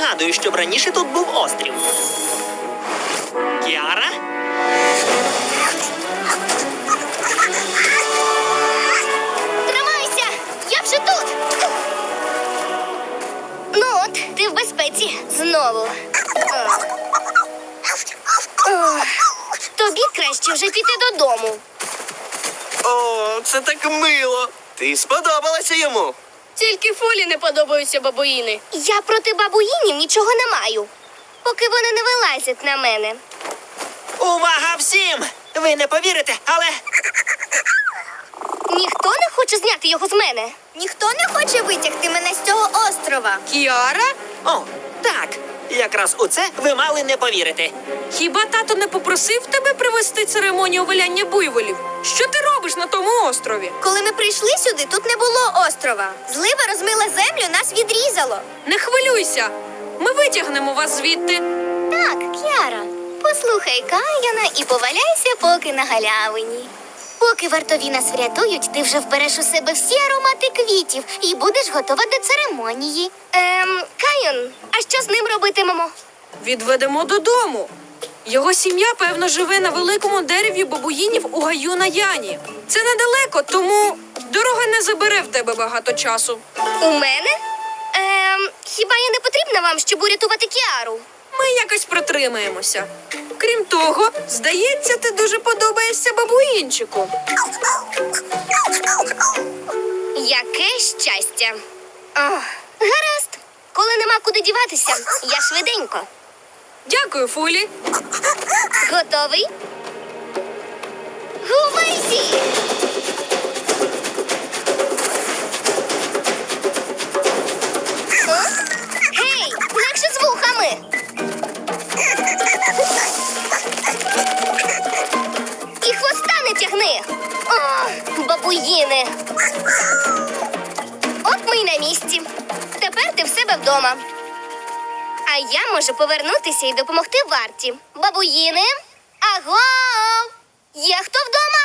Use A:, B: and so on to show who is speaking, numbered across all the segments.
A: пригадую, щоб раніше тут був острів. Кіара?
B: Тримайся! Я вже тут! Ну от, ти в безпеці. Знову. Тобі краще вже піти додому.
C: О, це так мило. Ти сподобалася йому.
D: Тільки Фолі не подобаються бабуїни.
B: Я проти бабуїнів нічого не маю, поки вони не вилазять на мене.
A: Увага всім! Ви не повірите, але
B: Ніхто не хоче зняти його з мене. Ніхто не хоче витягти мене з цього острова.
D: Кіара?
A: О, так. Якраз у це ви мали не повірити.
D: Хіба тато не попросив тебе привезти церемонію виляння буйволів? Що ти робиш на тому острові?
B: Коли ми прийшли сюди, тут не було острова. Злива розмила землю, нас відрізало.
D: Не хвилюйся. Ми витягнемо вас звідти.
B: Так, Кіара, послухай Каяна і поваляйся поки на галявині. Поки вартові нас врятують, ти вже вбереш у себе всі аромати квітів і будеш готова до церемонії. Кайон, а що з ним робитимемо?
D: Відведемо додому. Його сім'я, певно, живе на великому дереві бабуїнів у гаю на Яні. Це недалеко, тому дорога не забере в тебе багато часу.
B: У мене? Хіба я не потрібна вам, щоб урятувати Кіару?
D: Ми якось протримаємося. Крім того, здається, ти дуже подобаєшся бабуїнчику.
B: Яке щастя. Гаразд. Коли нема куди діватися, я швиденько.
D: Дякую, Фулі.
B: Готовий? Гувайсі! Гей, легше з вухами! І хвоста не тягни! О, бабуїни! От ми й на місці. Тепер ти в себе вдома. А я можу повернутися і допомогти варті. Бабуїни, аго! Є хто вдома?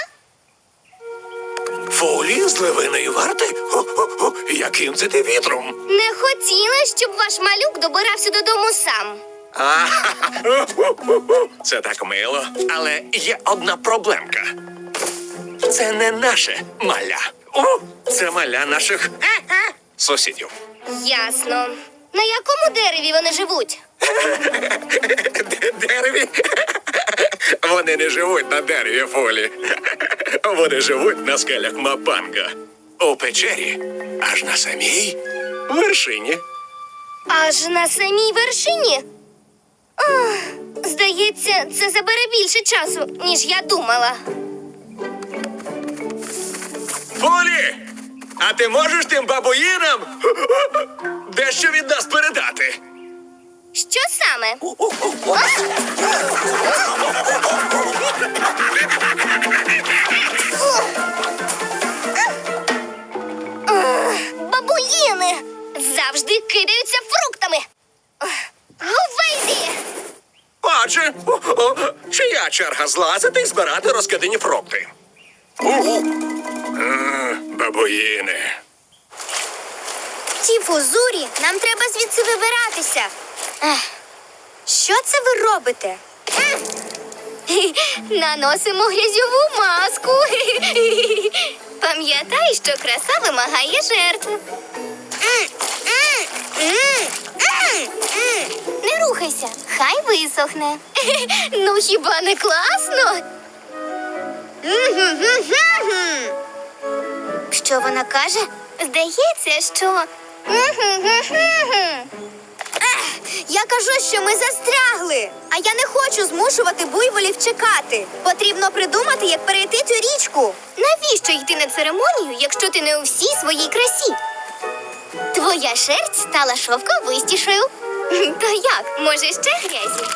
E: Фолі з левиної варти? Хо-хо-хо, яким це ти вітром?
B: Не хотіла, щоб ваш малюк добирався додому сам.
E: Це так мило, але є одна проблемка. Це не наше маля. Це маля наших сусідів.
B: Ясно. На якому дереві вони живуть?
E: Дереві? Вони не живуть на дереві, Фолі. Вони живуть на скелях Мапанга. У печері, аж на самій вершині.
B: Аж на самій вершині? Ох, здається, це забере більше часу, ніж я думала.
E: Фолі! А ти можеш тим бабуїнам дещо від нас передати?
B: Що саме? Бабуїни завжди кидаються фруктами. Гувейзі!
E: Отже, чия черга злазити і збирати розкидані фрукти? Бабуїни.
B: Ті фузурі, нам треба звідси вибиратися. Що це ви робите? Наносимо грязьову маску. Пам'ятай, що краса вимагає жертв. Не рухайся, хай висохне. Ну хіба не класно? Що вона каже? Здається, що... Я кажу, що ми застрягли. А я не хочу змушувати буйволів чекати. Потрібно придумати, як перейти цю річку. Навіщо йти на церемонію, якщо ти не у всій своїй красі? Твоя шерсть стала шовковистішою. То як? Може, ще грязі?